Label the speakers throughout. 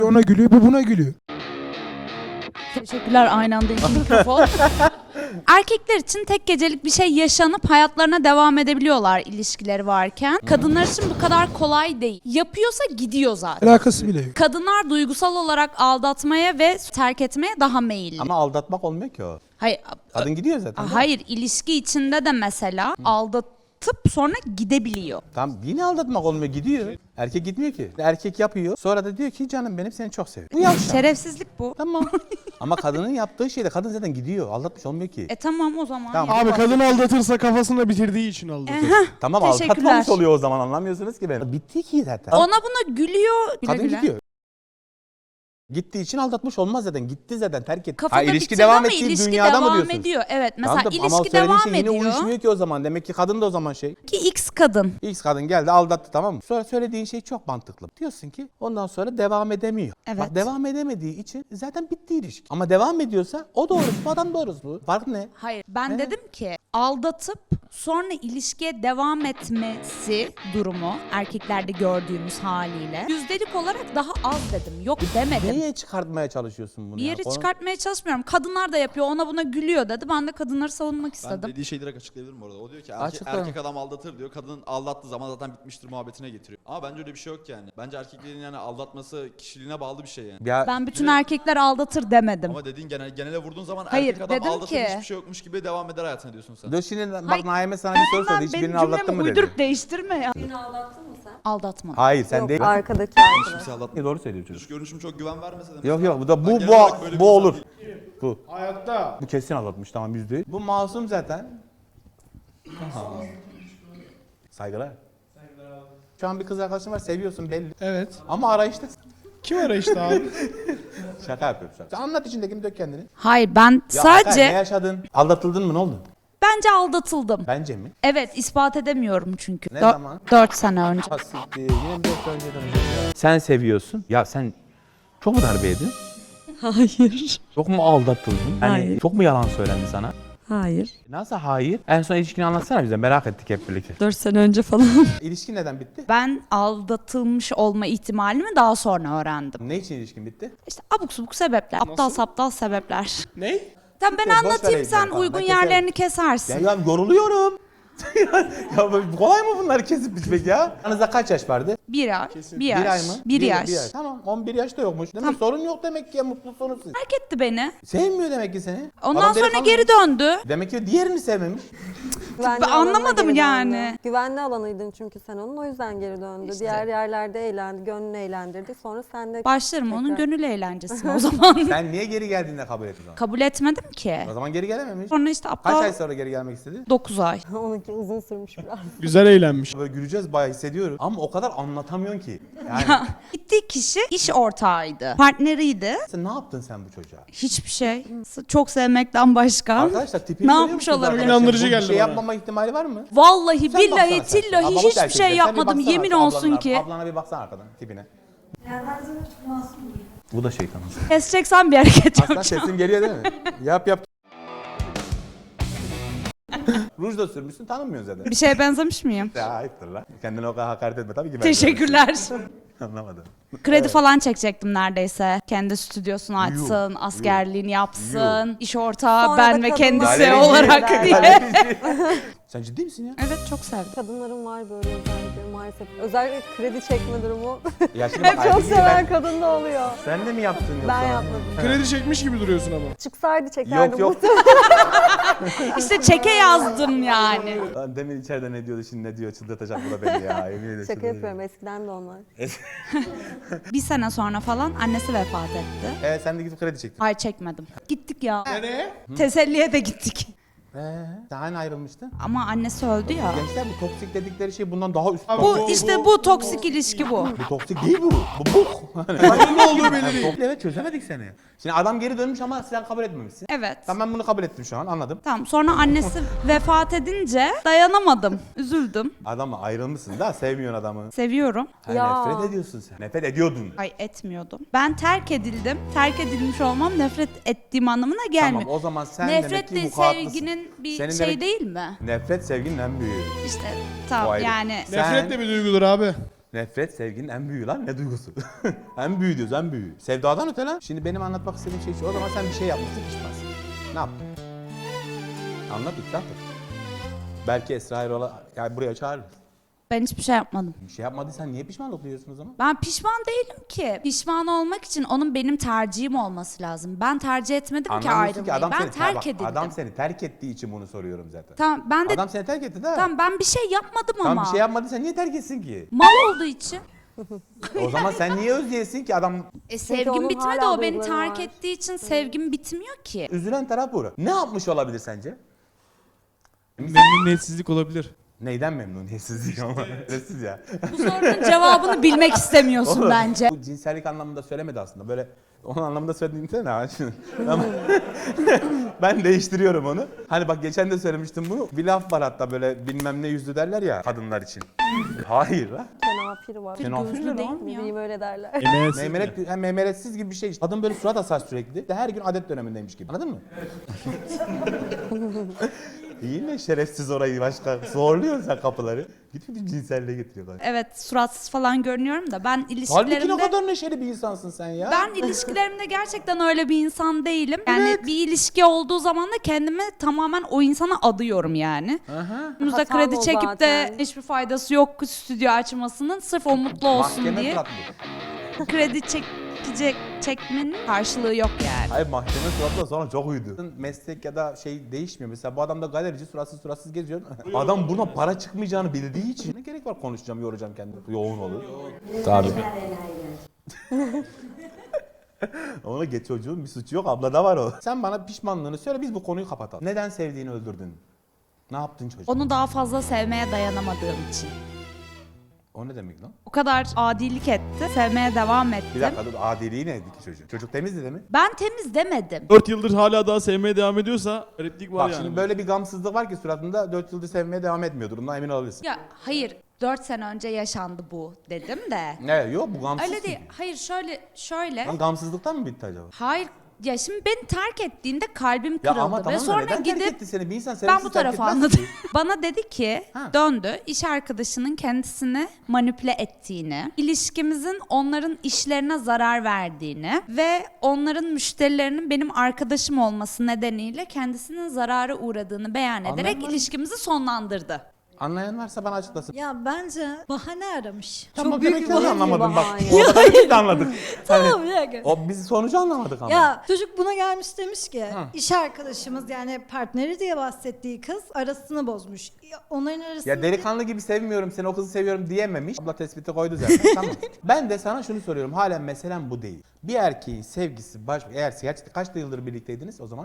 Speaker 1: Ona gülüyor, bu buna gülüyor.
Speaker 2: Teşekkürler, aynı anda iki mikrofon. Erkekler için tek gecelik bir şey yaşanıp hayatlarına devam edebiliyorlar ilişkileri varken. Kadınlar için bu kadar kolay değil. Yapıyorsa gidiyor zaten.
Speaker 1: Alakası bile yok.
Speaker 2: Kadınlar duygusal olarak aldatmaya ve terk etmeye daha meyilli.
Speaker 3: Ama aldatmak olmuyor ki o.
Speaker 2: Hayır,
Speaker 3: Kadın gidiyor zaten.
Speaker 2: hayır, ilişki içinde de mesela aldatıp sonra gidebiliyor.
Speaker 3: Tam yine aldatmak olmuyor, gidiyor. Erkek gitmiyor ki. Erkek yapıyor. Sonra da diyor ki canım benim seni çok seviyorum. Bu yavşak.
Speaker 2: Şerefsizlik bu.
Speaker 3: Tamam. Ama kadının yaptığı şeyde kadın zaten gidiyor. Aldatmış olmuyor ki.
Speaker 2: Tamam o zaman.
Speaker 3: Tamam.
Speaker 1: Abi kadın aldatırsa kafasında bitirdiği için aldatır.
Speaker 3: Tamam
Speaker 2: Teşekkürler.
Speaker 3: aldatmamış oluyor o zaman, anlamıyorsunuz ki beni. Bitti ki zaten.
Speaker 2: Ona buna gülüyor. Güle
Speaker 3: Kadın
Speaker 2: güle.
Speaker 3: gidiyor. Gittiği için aldatmış olmaz zaten. Gitti zaten, terk etti.
Speaker 2: Kafada
Speaker 3: ilişki
Speaker 2: bitirdi
Speaker 3: devam
Speaker 2: ama
Speaker 3: ettiği
Speaker 2: ilişki
Speaker 3: dünyada mı
Speaker 2: devam
Speaker 3: diyorsunuz?
Speaker 2: ediyor. Evet, mesela
Speaker 3: Tamam da, ama
Speaker 2: ilişki
Speaker 3: söylediğin
Speaker 2: devam
Speaker 3: şey yine
Speaker 2: ediyor.
Speaker 3: uyuşmuyor ki o zaman. Demek ki kadın da o zaman şey.
Speaker 2: Ki X kadın.
Speaker 3: X kadın geldi aldattı, tamam mı? Sonra söylediğin şey çok mantıklı. Diyorsun ki ondan sonra devam edemiyor.
Speaker 2: Evet.
Speaker 3: Bak devam edemediği için zaten bitti ilişki. Ama devam ediyorsa o doğrusu, bu adam doğrusu. Fark ne?
Speaker 2: Hayır, ben dedim ki aldatıp sonra ilişkiye devam etmesi durumu erkeklerde gördüğümüz haliyle yüzdelik olarak daha az dedim. Yok demedim.
Speaker 3: Neye çıkartmaya çalışıyorsun bunu?
Speaker 2: Bir yeri
Speaker 3: ya?
Speaker 2: çıkartmaya çalışmıyorum. Kadınlar da yapıyor, ona buna gülüyor dedi. Ben de kadınları savunmak
Speaker 4: Ben
Speaker 2: istedim.
Speaker 4: dediği şeyi direkt açıklayabilirim orada. O diyor ki
Speaker 3: Açıkla.
Speaker 4: erkek adam aldatır diyor. Kadın aldattığı zaman zaten bitmiştir muhabbetine getiriyor. Ama bence öyle bir şey yok yani. Bence erkeklerin yani aldatması kişiliğine bağlı bir şey yani.
Speaker 3: Ya
Speaker 2: Ben bütün erkekler aldatır demedim.
Speaker 4: Ama dediğin genele vurduğun zaman
Speaker 2: Hayır,
Speaker 4: erkek adam
Speaker 2: dedim
Speaker 4: aldatır
Speaker 2: ki-
Speaker 4: hiçbir şey yokmuş gibi devam eder hayatına diyorsun sen.
Speaker 3: dur şimdi bak,
Speaker 2: Hayır.
Speaker 3: Naime sana bir soru sordu.
Speaker 2: Hemen
Speaker 3: Hiçbirini
Speaker 2: benim
Speaker 3: aldattın
Speaker 2: cümlemi
Speaker 3: mı dedi.
Speaker 2: uydurup değiştirme ya.
Speaker 5: Birini aldattın mı sen?
Speaker 2: Aldatmadım.
Speaker 3: Hayır sen
Speaker 5: Yok,
Speaker 3: değil.
Speaker 5: arkadaki arkadaş.
Speaker 4: Kimse aldatmıyor.
Speaker 3: Doğru söylüyor çocuk.
Speaker 4: Dış görünüşüm çok güven vermese de.
Speaker 3: Yok yok, bu da
Speaker 4: Ben
Speaker 3: bu
Speaker 4: genel olarak böyle bir
Speaker 3: bu
Speaker 4: insan
Speaker 3: olur.
Speaker 4: değilim.
Speaker 3: Bu.
Speaker 1: Hayatta.
Speaker 3: Bu kesin aldatmış, tamam, %100. Bu masum zaten. Saygılar. Şu an bir kız arkadaşın var, seviyorsun belli.
Speaker 1: Evet.
Speaker 3: Ama arayışta.
Speaker 1: Kim arayışta abi?
Speaker 3: Şaka yapıyorum şaka. Sen anlat, içindekini dök kendini.
Speaker 2: Hayır, ben
Speaker 3: Ya
Speaker 2: sadece
Speaker 3: Hakan, ne yaşadın? Aldatıldın mı, ne oldu?
Speaker 2: bence aldatıldım.
Speaker 3: Bence mi?
Speaker 2: Evet, ispat edemiyorum çünkü.
Speaker 3: Ne zaman?
Speaker 2: 4 sene önce.
Speaker 3: Basit değil. 24 önceden önce. Sen seviyorsun. Ya sen çok mu darbe yedin?
Speaker 5: Hayır.
Speaker 3: Çok mu aldatıldın? Yani
Speaker 5: Hayır.
Speaker 3: çok mu yalan söylendi sana?
Speaker 5: Hayır.
Speaker 3: Nasıl hayır? En son ilişkini anlatsana bize, merak ettik hep birlikte.
Speaker 5: 4 sene önce falan.
Speaker 3: İlişkin neden bitti?
Speaker 2: Ben aldatılmış olma ihtimalimi daha sonra öğrendim.
Speaker 3: Ne için ilişkin bitti?
Speaker 2: İşte abuk subuk sebepler, aptal saptal sebepler.
Speaker 1: Ne?
Speaker 2: Tamam, ben
Speaker 3: Boş ver
Speaker 2: anlatayım,
Speaker 3: Ece,
Speaker 2: sen
Speaker 3: tamam,
Speaker 2: uygun
Speaker 3: ben keserim.
Speaker 2: yerlerini kesersin.
Speaker 3: Ya yoruluyorum. Ya böyle kolay mı bunları kesip biçmek ya? Aranızda kaç yaş vardı?
Speaker 2: Bir ay, bir yaş,
Speaker 3: Bir ay mı?
Speaker 2: bir yaş.
Speaker 3: Bir yaş. Tamam, 11 yaş da yokmuş. Demek sorun yok demek ki ya, mutlusunuz siz.
Speaker 2: Terk etti beni.
Speaker 3: Sevmiyor demek ki seni.
Speaker 2: Ondan
Speaker 3: Adam
Speaker 2: sonra
Speaker 3: delikanlı.
Speaker 2: geri döndü.
Speaker 3: Demek ki diğerini sevmemiş.
Speaker 5: Güvenli
Speaker 2: Ben
Speaker 5: alanına
Speaker 2: anlamadım
Speaker 5: geri
Speaker 2: yani.
Speaker 5: döndü. Güvenli alanıydın çünkü sen onun, o yüzden geri döndü. Diğer yerlerde eğlendi, gönlünü eğlendirdi. Sonra sen de
Speaker 2: Başlarım onun
Speaker 5: tekrar-
Speaker 2: gönül eğlencesine o zaman.
Speaker 3: Sen niye geri geldiğinde kabul ettin onu?
Speaker 2: Kabul etmedim ki.
Speaker 3: O zaman geri gelememiş.
Speaker 2: Sonra işte
Speaker 3: Kaç ay
Speaker 2: aptal
Speaker 3: sonra geri gelmek istedi?
Speaker 2: 9 ay.
Speaker 5: onunki uzun sürmüş biraz.
Speaker 1: Güzel eğlenmiş.
Speaker 3: Böyle güleceğiz bayağı, hissediyorum. Ama o kadar anlatamıyorsun ki. Yani
Speaker 2: Gittiği kişi iş ortağıydı. Partneriydi.
Speaker 3: sen ne yaptın sen bu çocuğa?
Speaker 2: Hiçbir şey. Çok sevmekten başka.
Speaker 3: Arkadaşlar tipini
Speaker 2: Ne
Speaker 3: görüyor
Speaker 2: yapmış
Speaker 3: musunuz
Speaker 2: olabilir?
Speaker 3: arkadaşlar?
Speaker 1: İnandırıcı
Speaker 3: Bu
Speaker 1: geldi
Speaker 3: Bir şey
Speaker 1: bana.
Speaker 3: yapmama ihtimali var mı?
Speaker 2: Vallahi
Speaker 3: Sen
Speaker 2: billahi
Speaker 3: baksana sen.
Speaker 2: tillahi
Speaker 3: Ablamı
Speaker 2: hiçbir
Speaker 3: terk
Speaker 2: şey
Speaker 3: edeceğim. Sen bir
Speaker 2: yapmadım.
Speaker 3: baksana
Speaker 2: Yemin
Speaker 3: ablana,
Speaker 2: olsun ki.
Speaker 3: Ablana bir baksana arkadan tipine. Bu da şeytan.
Speaker 2: Keseceksen bir hareket
Speaker 3: Aslan
Speaker 2: yapacağım.
Speaker 3: sesim geliyor değil mi? Yap yap. Ruj da sürmüşsün, tanımıyorsun zaten.
Speaker 2: Bir şeye benzemiş miyim?
Speaker 3: Ya ayıptır lan. Kendine o kadar hakaret etme tabii ki. ben
Speaker 2: Teşekkürler.
Speaker 3: Anlamadım.
Speaker 2: Kredi falan çekecektim neredeyse. Kendi stüdyosunu açsın, askerliğini yapsın, iş ortağı
Speaker 5: Sonra
Speaker 2: ben
Speaker 5: da
Speaker 2: ve
Speaker 5: kadınlar-
Speaker 2: kendisi
Speaker 3: Galereci.
Speaker 2: olarak diye.
Speaker 3: Sen ciddi misin ya?
Speaker 2: Evet, çok sevdim.
Speaker 5: Kadınların var böyle özellikleri maalesef. Özellikle kredi çekme durumu.
Speaker 3: Ya şimdi bak,
Speaker 5: Hep çok
Speaker 3: Aytekin,
Speaker 5: seven kadın da oluyor.
Speaker 3: Sen de mi yaptın yoksa?
Speaker 5: Ben yapmadım.
Speaker 1: Kredi çekmiş gibi duruyorsun ama.
Speaker 5: Çıksaydı çekerdim.
Speaker 3: Yok yok.
Speaker 2: İşte çeke yazdım yani.
Speaker 3: Lan demin içeride ne diyordu, şimdi ne diyor, çıldırtacak bu da beni ya. Emin ederim.
Speaker 5: Şaka yapıyorum, eskiden de onlar.
Speaker 2: Bir sene sonra falan annesi vefat etti.
Speaker 3: Sen de gidip kredi çektin.
Speaker 2: Hayır, çekmedim. Gittik ya.
Speaker 1: Nereye?
Speaker 2: Teselliye de gittik.
Speaker 3: Sen hani ayrılmıştın?
Speaker 2: Ama annesi öldü ya.
Speaker 3: Gençler, bu toksik dedikleri şey bundan daha üst.
Speaker 2: Bu işte bu toksik ilişki bu.
Speaker 3: Bu toksik değil bu. Bu bok.
Speaker 1: Ne olduğu belli değil.
Speaker 3: Evet, çözemedik seni. Şimdi adam geri dönmüş ama sen kabul etmemişsin.
Speaker 2: Evet.
Speaker 3: Tamam, ben bunu kabul ettim şu an, anladım.
Speaker 2: Tamam, sonra annesi vefat edince dayanamadım. Üzüldüm.
Speaker 3: Adamla ayrılmışsın da sevmiyorsun adamı.
Speaker 2: Seviyorum.
Speaker 3: Ha,
Speaker 5: Ya.
Speaker 3: nefret ediyorsun sen. Nefret ediyordun.
Speaker 2: Ay, etmiyordum. Ben terk edildim. Terk edilmiş olmam nefret ettiğim anlamına gelmiyor.
Speaker 3: Tamam, o zaman sen
Speaker 2: Nefret
Speaker 3: demek ki
Speaker 2: de
Speaker 3: vukuatlısın.
Speaker 2: sevginin bir
Speaker 3: Senin
Speaker 2: şey
Speaker 3: demek-
Speaker 2: değil mi?
Speaker 3: Nefret sevginin en büyüğü.
Speaker 2: İşte
Speaker 3: O
Speaker 2: tamam
Speaker 3: ayrı.
Speaker 2: yani.
Speaker 3: Sen-
Speaker 1: Nefret de bir duygudur abi.
Speaker 3: Nefret sevginin en büyüğü lan, ne duygusu? En büyüğü diyoruz, en büyüğü. Sevdadan öte lan. Şimdi benim anlatmak istediğim şey şu. O zaman sen bir şey yapmışsın, pişmansın. Ne yaptın? Anlat, itiraf et. Belki Esra Erol'a yani buraya çağırırız.
Speaker 2: Ben hiçbir şey yapmadım.
Speaker 3: Bir şey yapmadıysan niye pişmanlık duyuyorsun o zaman?
Speaker 2: Ben pişman değilim ki. Pişman olmak için onun benim tercihim olması lazım. Ben tercih etmedim ki
Speaker 3: Anlamıyorsun ki
Speaker 2: ayrılmayı.
Speaker 3: adam
Speaker 2: Ben
Speaker 3: seni
Speaker 2: terk
Speaker 3: bak,
Speaker 2: edildim.
Speaker 3: adam seni terk ettiği için bunu soruyorum zaten.
Speaker 2: Tamam ben de
Speaker 3: Adam seni terk etti de.
Speaker 2: tamam ben bir şey yapmadım
Speaker 3: Tamam,
Speaker 2: ama.
Speaker 3: bir şey yapmadıysan niye terk etsin ki?
Speaker 2: Mal olduğu için.
Speaker 3: O zaman sen niye özleyesin ki adam?
Speaker 2: Sevgim
Speaker 5: onun
Speaker 2: bitmedi,
Speaker 5: hala
Speaker 2: o beni
Speaker 5: duyguları
Speaker 2: terk
Speaker 5: var.
Speaker 2: ettiği için sevgim bitmiyor ki.
Speaker 3: Üzülen taraf bu. Ne yapmış olabilir sence?
Speaker 1: Memnuniyetsizlik olabilir.
Speaker 3: Neyden memnuniyetsizlik ama? Sessiz ya.
Speaker 2: Bu sorunun cevabını bilmek istemiyorsun bence.
Speaker 3: Bu cinsellik anlamında söylemedi aslında. Böyle onun anlamında söylediğimde ne? Ama ben değiştiriyorum onu. Hani bak geçen de söylemiştim bunu. Bir laf var hatta böyle bilmem ne yüzlü derler ya kadınlar için. Hayır la.
Speaker 5: Kenafir var.
Speaker 3: Kenafir
Speaker 2: Gözlü
Speaker 3: ne
Speaker 2: değil
Speaker 3: lan?
Speaker 2: mi ya?
Speaker 5: Bileyim öyle derler.
Speaker 3: Meymenet, hem meymenetsiz gibi bir şey işte. Kadın böyle surat asar sürekli. De her gün adet dönemindeymiş gibi. Anladın mı? Yine şerefsiz orayı başka zorluyorsun sen kapıları. Gidip bir cinselliğe getiriyorlar.
Speaker 2: Evet suratsız falan görünüyorum da ben
Speaker 3: Halbuki ne
Speaker 2: ilişkilerimde...
Speaker 3: kadar neşeli bir insansın sen ya.
Speaker 2: Ben ilişkilerimde gerçekten öyle bir insan değilim. Yani bir ilişki olduğu zaman da kendimi tamamen o insana adıyorum yani. Önümüzde
Speaker 5: Hatam
Speaker 2: kredi
Speaker 5: o
Speaker 2: çekip de
Speaker 5: zaten.
Speaker 2: hiçbir faydası yok stüdyo açmasının sırf o mutlu olsun
Speaker 3: Mahkeme
Speaker 2: diye.
Speaker 3: suratlı.
Speaker 2: Kredi çekmenin karşılığı yok yani.
Speaker 3: Hayır mahkeme suratla sonra çok uydu. Meslek ya da şey değişmiyor. Mesela bu adam da galerici suratsız geziyor. Adam buna para çıkmayacağını bildiği için ne gerek var konuşacağım, yoracağım kendimi. Yoğun olur. Tabii. Ona geç çocuğun bir suçu yok, ablada var o. Sen bana pişmanlığını söyle, biz bu konuyu kapatalım. Neden sevdiğini öldürdün? Ne yaptın çocuk?
Speaker 2: Onu daha fazla sevmeye dayanamadığım için.
Speaker 3: O ne demek lan?
Speaker 2: O kadar adilik etti. Sevmeye devam ettim.
Speaker 3: Bir dakika dur, adiliği neydi ki çocuk? Çocuk temizdi değil mi?
Speaker 2: Ben temiz demedim.
Speaker 1: 4 yıldır hala daha sevmeye devam ediyorsa replik var
Speaker 3: Bak
Speaker 1: yani.
Speaker 3: şimdi böyle bir gamsızlık var ki suratında 4 yıldır sevmeye devam etmiyordur. Bundan emin olabilirsin.
Speaker 2: Ya hayır 4 sene önce yaşandı bu dedim de.
Speaker 3: Ne yok bu gamsız.
Speaker 2: Öyle değil. Hayır şöyle.
Speaker 3: Lan gamsızlıktan mı bitti acaba?
Speaker 2: Hayır. Ya şimdi beni terk ettiğinde kalbim
Speaker 3: Ya
Speaker 2: kırıldı
Speaker 3: ama
Speaker 2: ve
Speaker 3: tamam da
Speaker 2: sonra
Speaker 3: neden terk
Speaker 2: gidip
Speaker 3: etti seni? Bir insan
Speaker 2: ben
Speaker 3: sevgisiz
Speaker 2: bu
Speaker 3: terk
Speaker 2: tarafı
Speaker 3: etmez
Speaker 2: anladım.
Speaker 3: ki.
Speaker 2: Bana dedi ki
Speaker 3: Ha.
Speaker 2: döndü iş arkadaşının kendisini manipüle ettiğini, ilişkimizin onların işlerine zarar verdiğini ve onların müşterilerinin benim arkadaşım olması nedeniyle kendisinin zarara uğradığını beyan ederek
Speaker 3: Anladım.
Speaker 2: ilişkimizi sonlandırdı.
Speaker 3: Anlayan varsa bana açıklasın.
Speaker 6: Ya bence bahane aramış.
Speaker 3: Tamam,
Speaker 6: Çok büyük
Speaker 3: demek
Speaker 6: bir
Speaker 3: ki onu
Speaker 6: bahane.
Speaker 3: anlamadım bak.
Speaker 5: bahane.
Speaker 3: O kadar biz de anladık.
Speaker 6: Tamam bir dakika.
Speaker 3: O biz sonucu anlamadık ama.
Speaker 6: Ya çocuk buna gelmiş demiş ki
Speaker 3: Hı.
Speaker 6: iş arkadaşımız yani partneri diye bahsettiği kız arasını bozmuş. Onların arasında
Speaker 3: Ya delikanlı gibi sevmiyorum seni, o kızı seviyorum diyememiş. Abla tespiti koydu zaten. Tamam. Ben de sana şunu soruyorum. Halen meselem bu değil. Bir erkeğin sevgisi eğer gerçekten kaç yıldır birlikteydiniz o zaman?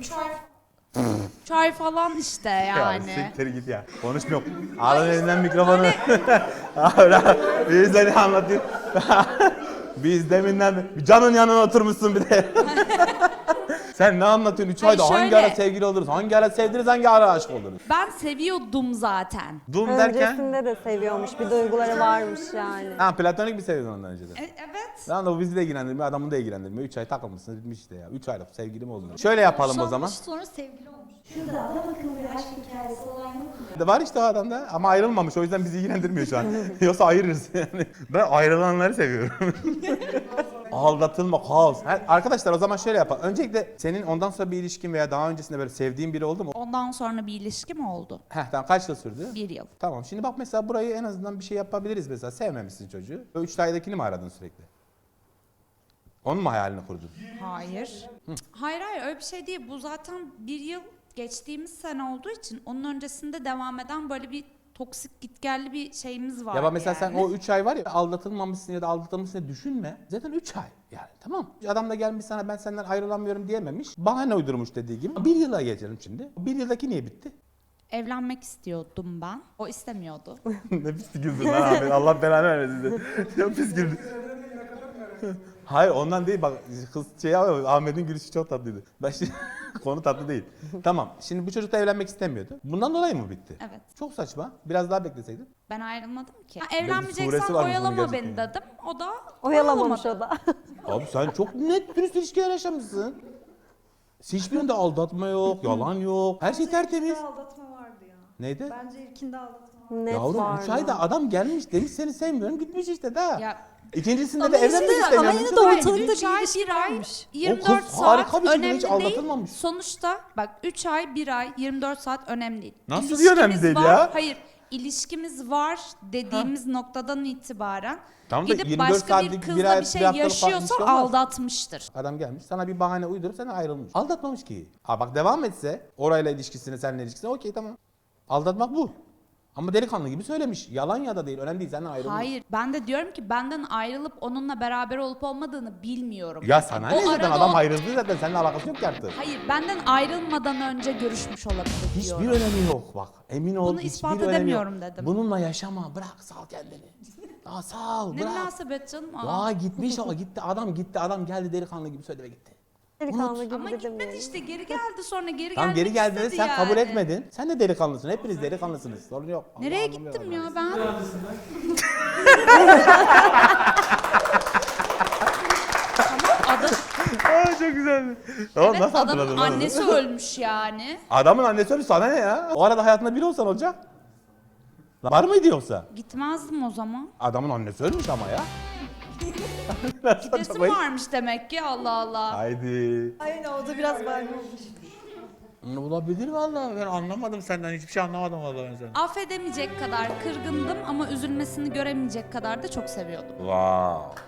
Speaker 2: 3 ay falan işte yani.
Speaker 3: Ya siktir git ya. Konuşmuyor. Alın elinden mikrofonu. Hala biz de ne anlatayım. Biz deminden canın yanına oturmuşsun bir de. Sen ne anlatıyorsun? 3 ayda
Speaker 2: Hayır,
Speaker 3: hangi
Speaker 2: şöyle.
Speaker 3: ara sevgili oluruz? Hangi ara sevdiniz? Hangi ara aşık oldunuz?
Speaker 2: Ben seviyordum zaten.
Speaker 3: Dum derken?
Speaker 5: Öncesinde de seviyormuş. Bir duyguları varmış yani.
Speaker 3: Ha platonik bir seviyordun ondan önce de.
Speaker 2: Evet.
Speaker 3: Lan da bu bizi de ilgilendirmiyor, adamı da ilgilendirmiyor. 3 ay takılmışsınız bitmiş işte ya. 3 ayda sevgili mi oldunuz? Şöyle yapalım o zaman.
Speaker 6: sonra sevgili olmuş.
Speaker 7: Şurada adam akıllı bir aşk hikayesi olan yok mu?
Speaker 3: Var işte o adamda ama ayrılmamış, o yüzden bizi ilgilendirmiyor şu an. Yoksa ayırırız yani. Ben ayrılanları seviyorum. Aldatılma, kaos. Arkadaşlar o zaman şöyle yapalım. Öncelikle senin ondan sonra bir ilişkin veya daha öncesinde böyle sevdiğin biri oldu mu?
Speaker 2: Ondan sonra bir ilişkim oldu.
Speaker 3: Tamam kaç yıl sürdü?
Speaker 2: 1 yıl.
Speaker 3: Tamam şimdi bak mesela burayı en azından bir şey yapabiliriz mesela. Sevmemişsin çocuğu. O 3 aydakini mi aradın sürekli? Onun mu hayalini kurdun?
Speaker 2: Hayır. Hayır öyle bir şey değil. Bu zaten 1 yıl geçtiğimiz sene olduğu için onun öncesinde devam eden böyle bir toksik gitgelli bir şeyimiz var.
Speaker 3: Ya bak mesela
Speaker 2: yani.
Speaker 3: sen o 3 ay var ya aldatılmamışsın ya da aldatılmışsın diye düşünme. Zaten 3 ay yani tamam. Adam da gelmiş sana ben senden ayrılamıyorum diyememiş. Bahane uydurmuş dediği gibi. 1 yıla geçelim şimdi. 1 yıldaki niye bitti?
Speaker 2: Evlenmek istiyordum ben. O istemiyordu.
Speaker 3: Ne pis güldün lan abi. Allah belanı vermesin. Çok pis güldün. Hayır ondan değil bak kız şey yapıyor, Ahmet'in gülüşü çok tatlıydı. Ben şimdi konu tatlı değil. Tamam şimdi bu çocuk da evlenmek istemiyordu. Bundan dolayı mı bitti?
Speaker 2: Evet.
Speaker 3: Çok saçma. Biraz daha bekleseydin.
Speaker 2: Ben ayrılmadım ki.
Speaker 3: suresi
Speaker 2: Evlenmeyeceksen
Speaker 3: var bunun
Speaker 2: oyalama
Speaker 3: gerçekten.
Speaker 2: beni dedim. O da
Speaker 5: Oyalamamış
Speaker 2: oyalamadı.
Speaker 5: o da.
Speaker 3: Abi sen çok net dürüst ilişkiler yaşamışsın. Hiçbirinde aldatma yok, yalan yok. Her şey tertemiz.
Speaker 6: aldatma vardı ya.
Speaker 3: Neydi?
Speaker 6: Bence ilkinde aldatma vardı.
Speaker 5: Net
Speaker 3: Yavrum 3
Speaker 5: vardı.
Speaker 3: ayda adam gelmiş demiş seni sevmiyorum gitmiş işte daha.
Speaker 2: Ya
Speaker 3: İkincisinde
Speaker 6: Ama
Speaker 3: de
Speaker 6: işte-
Speaker 3: evlenmek
Speaker 6: ama
Speaker 3: istemiyorum.
Speaker 6: yine de
Speaker 3: Daha-
Speaker 6: ortalıkta
Speaker 2: Üç ay,
Speaker 6: bir ilişki
Speaker 2: bir ay,
Speaker 6: varmış.
Speaker 2: 24
Speaker 3: kız
Speaker 2: saat
Speaker 3: harika bir şekilde
Speaker 2: önemli
Speaker 3: hiç
Speaker 2: değil.
Speaker 3: aldatılmamış.
Speaker 2: Sonuçta bak 3 ay, 1 ay, 24 saat önemli değil.
Speaker 3: Nasıl diyor önemli değil
Speaker 2: var,
Speaker 3: ya?
Speaker 2: Hayır, ilişkimiz var dediğimiz noktadan itibaren
Speaker 3: Tamam da
Speaker 2: gidip
Speaker 3: 24
Speaker 2: başka bir
Speaker 3: saatlik, bir
Speaker 2: kızla
Speaker 3: ay,
Speaker 2: bir şey
Speaker 3: bir haftalık falan
Speaker 2: yaşıyorsa
Speaker 3: ilişki olmaz.
Speaker 2: aldatmıştır.
Speaker 3: Adam gelmiş sana bir bahane uydurup sana ayrılmış. Aldatmamış ki. Ha bak devam etse orayla ilişkisini seninle ilişkisini okey tamam. Aldatmak bu. Ama delikanlı gibi söylemiş. Yalan ya da değil önemli değil senden ayrılmış.
Speaker 2: Hayır, ben de diyorum ki benden ayrılıp onunla beraber olup olmadığını bilmiyorum.
Speaker 3: Ya sana ne
Speaker 2: O
Speaker 3: zaten
Speaker 2: arada
Speaker 3: adam
Speaker 2: o-
Speaker 3: ayrıldı zaten seninle alakası yok ki artık.
Speaker 2: Hayır, benden ayrılmadan önce görüşmüş olabilir
Speaker 3: Hiçbir
Speaker 2: diyorum.
Speaker 3: önemi yok bak. Emin ol
Speaker 2: Bunu
Speaker 3: hiçbir
Speaker 2: ispat
Speaker 3: önemi
Speaker 2: edemiyorum
Speaker 3: yok.
Speaker 2: dedim.
Speaker 3: Bununla yaşama bırak sal kendini. Aa, sal
Speaker 2: Ne
Speaker 3: bırak.
Speaker 2: münasebet canım. Aa.
Speaker 3: Vay gitmiş ama gitti adam geldi delikanlı gibi söyledi ve gitti.
Speaker 5: Delikanlı gibi
Speaker 2: Ama
Speaker 5: de
Speaker 2: gitmedi
Speaker 5: demeyelim.
Speaker 2: işte, geri geldi sonra geri
Speaker 3: Tamam
Speaker 2: gelmek
Speaker 3: geri geldiğinde
Speaker 2: istedi
Speaker 3: sen kabul
Speaker 2: yani.
Speaker 3: etmedin. Sen de delikanlısın. Hepiniz delikanlısınız. Sorun yok. Allah
Speaker 2: Nereye
Speaker 3: anlamıyor
Speaker 2: gittim
Speaker 3: adam.
Speaker 2: ya ben? Adam,
Speaker 3: Aa, çok güzeldi. Tamam
Speaker 2: evet,
Speaker 3: nasıl hatırladın
Speaker 2: adamın
Speaker 3: lan onu?
Speaker 2: annesi ölmüş yani.
Speaker 3: Adamın annesi ölmüş sana ne ya? O arada hayatında biri olsan olacak. Var mıydı yoksa?
Speaker 2: Gitmezdim o zaman.
Speaker 3: Adamın annesi ölmüş ama ya.
Speaker 2: Gidesim varmış demek ki, Allah Allah.
Speaker 3: Haydi.
Speaker 6: Aynen o da biraz var.
Speaker 3: Olabilir vallahi ben anlamadım senden hiçbir şey anlamadım vallahi ben senden.
Speaker 2: Affedemeyecek kadar kırgındım ama üzülmesini göremeyecek kadar da çok seviyordum.
Speaker 3: Wow.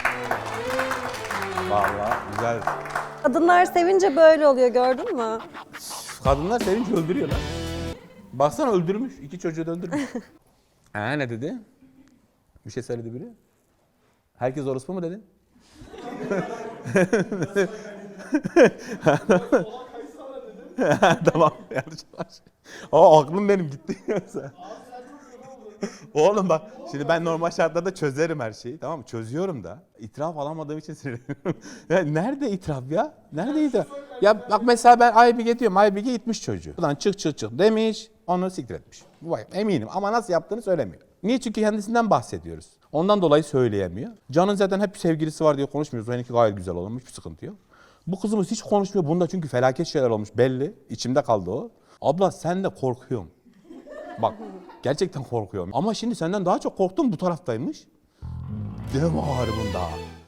Speaker 3: Vallahi güzel.
Speaker 5: Kadınlar sevince böyle oluyor gördün mü?
Speaker 3: Kadınlar sevinç öldürüyorlar. Baksana öldürmüş. 2 çocuğu da öldürmüş. Ne dedi? Bir şey söyledi biri. Herkes orospu mu dedi? Tamam. Yanlış. Aklım benim gitti. Oğlum bak şimdi ben normal şartlarda çözerim her şeyi tamam mı? Çözüyorum da itiraf alamadığım için sinirleniyorum. Ya nerede itiraf ya? Nerede itiraf? Ya bak mesela ben Aybige diyorum. Aybige itmiş çocuğu. Buradan çık demiş. Onu siktir etmiş. Bu vay eminim ama nasıl yaptığını söylemiyor. Niye? Çünkü kendisinden bahsediyoruz. Ondan dolayı söyleyemiyor. Can'ın zaten hep sevgilisi var diye konuşmuyoruz. Benimki gayet güzel olmuş. Hiçbir sıkıntı yok. Bu kızımız hiç konuşmuyor. Bunda çünkü felaket şeyler olmuş belli. İçimde kaldı o. Abla sen de korkuyorum. Bak gerçekten korkuyorum. Ama şimdi senden daha çok korktum bu taraftaymış. Deme var bunda.